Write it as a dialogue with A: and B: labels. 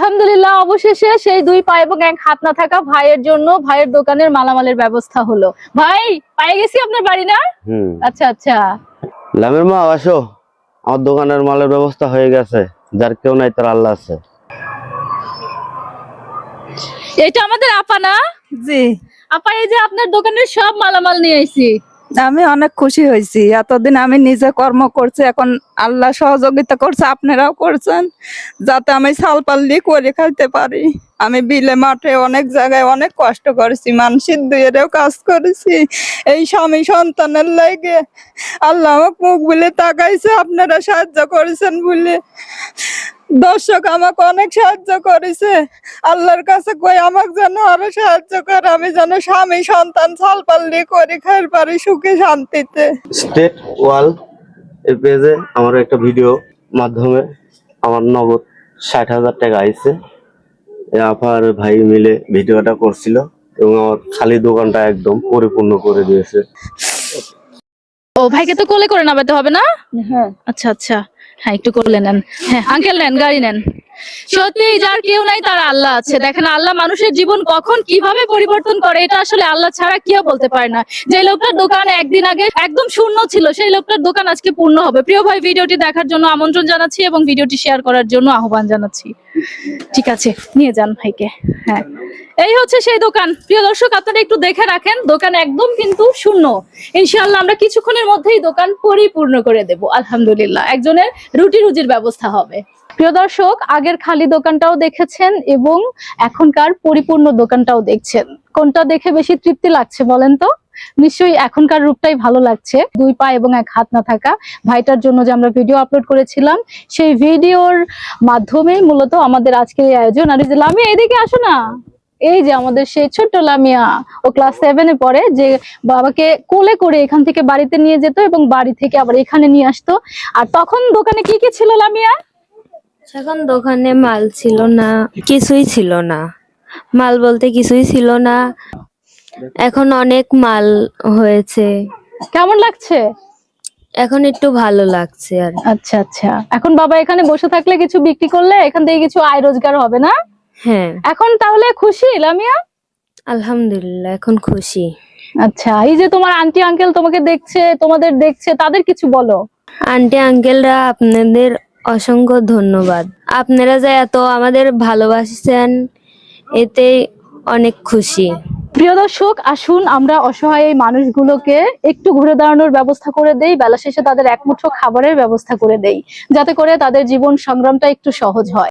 A: আলহামদুলিল্লাহ, অবশেষে সেই দুই পা এবং এক হাত না থাকা ভাইয়ের জন্য ভাইয়ের দোকানের মালামালের ব্যবস্থা হলো। ভাই, পাই গেছি আপনার বাড়ি না? আচ্ছা আচ্ছা।
B: লামের মা আসো, আমার দোকানের মালের ব্যবস্থা হয়ে গেছে। যার কেউ নাই তার আল্লাহ আছে।
A: এটা আমাদের আপা না?
C: জি,
A: আপা, এই যে আপনার দোকানের সব মালামাল নিয়ে আইছি।
C: আমি অনেক খুশি হয়েছি। এতদিন আমি নিজে কর্ম করছি, এখন আল্লাহ সহযোগিতা করছে, আপনারাও করছেন যাতে আমি ছাল পাল্লি করে খাইতে পারি। আমি বিলে মাঠে অনেক জায়গায় অনেক কষ্ট করেছি, মানসিক দুয়েরও কাজ করেছি এই স্বামী সন্তানের লাগে। আল্লাহ আমাকে মুখ বলে তাকাইছে, আপনারা সাহায্য করেছেন বলে। দর্শক আমাকে অনেক সাহায্য করেছে। আল্লাহর কাছে কই আমাকে যেন আরো সাহায্য করে, আমি যেন স্বামী সন্তান ছাল পাল্লি করে খাইতে পারি সুখে শান্তিতে।
B: স্টেট ওয়াল এর পেজে আমার একটা ভিডিও মাধ্যমে আমার নগদ 60,000 টাকা আইছে। আপার ভাই মিলে ভিডিওটা করছিল এবং আমার খালি দোকানটা একদম পরিপূর্ণ করে দিয়েছে।
A: ও, ভাইকে তো কোলে করে নামাতে হবে না?
C: হ্যাঁ,
A: আচ্ছা আচ্ছা, হ্যাঁ একটু কোলে নেন। হ্যাঁ আঙ্কেল, নেন, গাড়ি নেন। সত্যি যার কেউ নাই তার আল্লাহ আছে। দেখেন, আল্লাহ মানুষের জীবন কখন কিভাবে পরিবর্তন করে এটা আসলে আল্লাহ ছাড়া কেউ বলতে পারে না। যে লোকটার দোকান একদিন আগে একদম শূন্য ছিল, সেই লোকটার দোকান আজকে পূর্ণ হবে। প্রিয় ভাই, ভিডিওটি দেখার জন্য আমন্ত্রণ জানাচ্ছি এবং ভিডিওটি শেয়ার করার জন্য আহ্বান জানাচ্ছি। ঠিক আছে, নিয়ে যান ভাইকে। হ্যাঁ, এই হচ্ছে সেই দোকান। প্রিয় দর্শক, আপনারা একটু দেখে রাখেন, দোকান একদম কিন্তু শূন্য। ইনশাআল্লাহ আমরা কিছুক্ষণের মধ্যেই দোকান পরিপূর্ণ করে দেব। আলহামদুলিল্লাহ, একজনের রুটি রুজির ব্যবস্থা হবে। প্রিয় দর্শক, আগের খালি দোকানটাও দেখেছেন এবং এখনকার পরিপূর্ণ দোকানটাও দেখছেন। কোনটা দেখে বেশি তৃপ্তি লাগছে বলেন তো? নিশ্চয়ই এখনকার রূপটাই ভালো লাগছে। দুই পা এবং এক হাত না থাকা ভাইটার জন্য যে আমরা ভিডিও আপলোড করেছিলাম, সেই ভিডিওর মাধ্যমে মূলত আমাদের আজকের এই আয়োজন। আর এই যে লামিয়া, এদিকে আসো না। এই যে আমাদের সেই ছোট্ট লামিয়া, ও ক্লাস 7-এ পড়ে, যে বাবাকে কোলে করে এখান থেকে বাড়িতে নিয়ে যেত এবং বাড়ি থেকে আবার এখানে নিয়ে আসতো। আর তখন দোকানে কি কি ছিল লামিয়া?
D: এখন দোকানে মাল ছিল না, কিছুই ছিল না। মাল বলতে কিছুই ছিল না। এখন অনেক মাল হয়েছে,
A: কেমন লাগছে?
D: এখন একটু ভালো লাগছে আর।
A: আচ্ছা আচ্ছা, এখন বাবা এখানে বসে থাকলে কিছু বিক্রি করলে এখান থেকে কিছু আয় রোজগার হবে না?
D: হ্যাঁ,
A: এখন তাহলে খুশি লামিয়া?
D: আলহামদুলিল্লাহ এখন খুশি।
A: আচ্ছা, এই যে তোমার আন্টি আঙ্কেল তোমাকে দেখছে, তোমাদের দেখছে, তাদের কিছু বলো।
D: আন্টি আঙ্কেলরা, আপনাদের অসংখ্য ধন্যবাদ। আপনারা যে এত আমাদের ভালোবাসছেন, এতে অনেক খুশি।
A: প্রিয় দর্শক, আসুন আমরা অসহায় এই মানুষগুলোকে একটু ঘুরে দাঁড়ানোর ব্যবস্থা করে দেই, বেলা শেষে তাদের একমুঠো খাবারের ব্যবস্থা করে দেই, যাতে করে তাদের জীবন সংগ্রামটা একটু সহজ হয়।